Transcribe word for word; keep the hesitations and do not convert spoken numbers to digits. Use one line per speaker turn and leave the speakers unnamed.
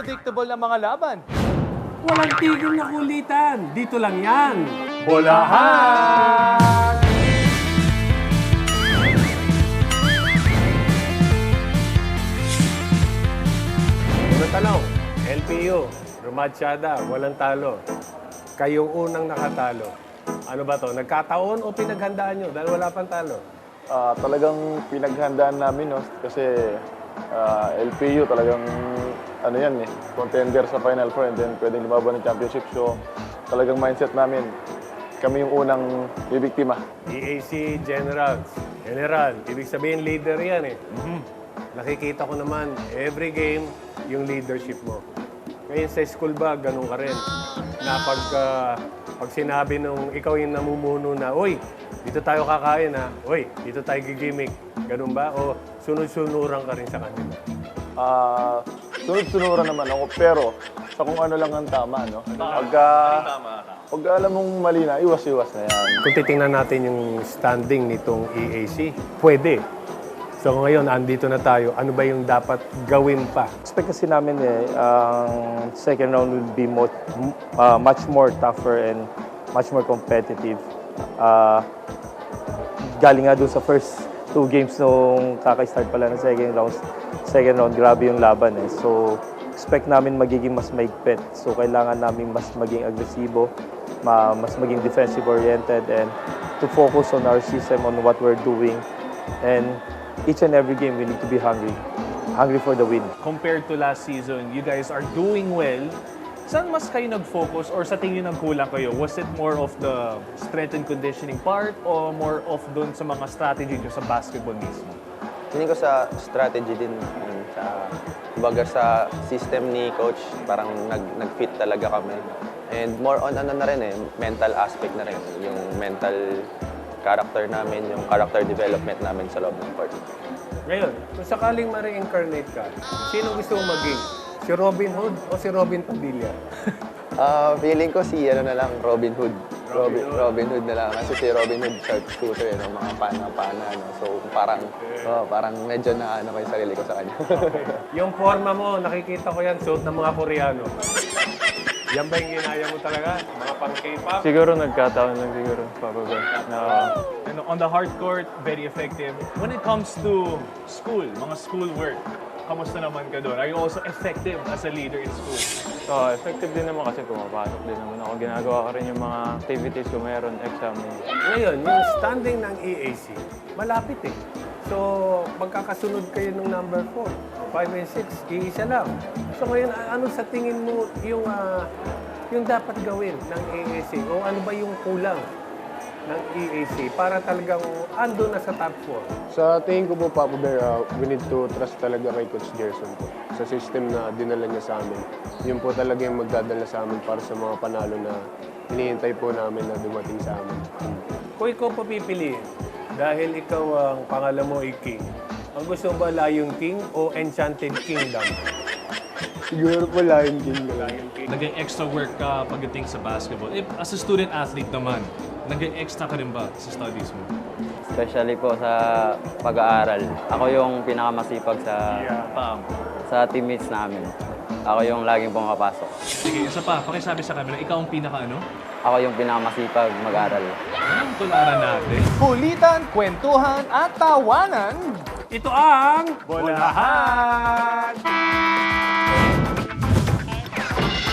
unpredictable na mga laban.
Walang tigil na kulitan. Dito lang yan.
Bolahan!
Unang tanong, L P U, Rumatsyada, walang talo. Kayong unang nakatalo. Ano ba to? Nagkataon o pinaghandaan nyo dahil wala pang talo?
Ah, talagang pinaghandaan namin, no? Kasi ah, L P U talagang ano yan eh, contender sa Final Four and then pwedeng lumaban ng championship. So talagang mindset namin, kami yung unang bibiktima.
E A C Generals, General, ibig sabihin leader yan eh. Nakikita ko naman, every game, yung leadership mo. Ngayon sa school ba, ganun ka rin. Na pag, ah, pag sinabi nung ikaw yung namumuno na, uy, dito tayo kakain ha, uy, dito tayo gigimik. Ganun ba? O sunod-sunuran ka rin sa kanila?
Ah, sunod-sunuran naman ako, pero sa kung ano lang ang tama, no? Pagka, pag alam mong mali na, iwas-iwas na yan.
Kung titingnan natin yung standing nitong E A C, pwede. So ngayon, andito na tayo. Ano ba yung dapat gawin pa?
Expect kasi namin eh, ang second round will be mo, uh, much more tougher and much more competitive. Uh, galing nga dun sa first two games nung kaka-start pala ng second round, second round, grabe yung laban eh. So, expect namin magiging mas maigpit. So, kailangan namin mas maging agresibo, ma mas maging defensive-oriented, and to focus on our system, on what we're doing. And each and every game, we need to be hungry. Hungry for the win.
Compared to last season, you guys are doing well. Saan mas kayo nag-focus or sa tingin nagkulang kayo? Was it more of the strength and conditioning part o more of dun sa mga strategy nyo sa basketball mismo?
Tingin ko sa strategy din, yun, sa, kumbaga sa system ni coach, parang nag, nag-fit talaga kami. And more on ano na rin eh, mental aspect na rin, yung mental character namin, yung character development namin sa loob ng court.
Ngayon, kung sakaling ma-reincarnate ka, sino gusto mong maging? Si Robin Hood o si Robin Padilla?
Ah, feeling ko si ano na lang, Robin Hood.
Robin
Robin,
Hood.
Robin Hood na lang. Kasi si Robin Hood sharpshooter, no? Mga pana-pana. No? So parang, oh, parang medyo na ano ko yung sarili ko sa kanya.
Yung forma mo, nakikita ko yan, suot ng mga Koreano. Yan ba yung ginaya mo talaga? Mga pang K-pop?
Siguro nagkataon lang siguro, Papa Ben, na
And on the hard court, very effective. When it comes to school, mga school work, kamusta naman ka doon? Are you also effective as a leader in school?
so, effective din naman kasi pumapasok din naman ako. Ginagawa ko rin yung mga activities ko meron, exam.
Ngayon, yung standing ng E A C, malapit eh. So, magkakasunod kayo ng number four, five and six, iisa lang. So ngayon, a- ano sa tingin mo yung, ah, yung dapat gawin ng E A C? O ano ba yung kulang ng E A C para talagang ando na sa top four?
Sa tingin ko po, Papa Bear, uh, we need to trust talaga kay Coach Gerson po. Sa system na dinala niya sa amin. Yun po talaga yung magdadala sa amin para sa mga panalo na hinihintay po namin na dumating sa amin.
Kung ikaw papipiliin, dahil ikaw ang pangalan mo ay King, ang gusto mo ba Lion King o Enchanted Kingdom?
Siguro po Lion King na lang.
Naging extra work ka pagdating sa basketball. If, as a student athlete naman, naging extra ka rin ba sa studies mo?
Especially po sa pag-aaral. Ako yung pinakamasipag sa
Pam.
sa teammates namin. Ako yung laging pumapasok.
Sige, isa pa, pakisabi sa camera, ikaw ang pinaka ano?
Ako yung pinakamasipag mag-aral.
Anong tularan natin?
Kulitan, kwentuhan at tawanan.
Ito ang
Bolahan!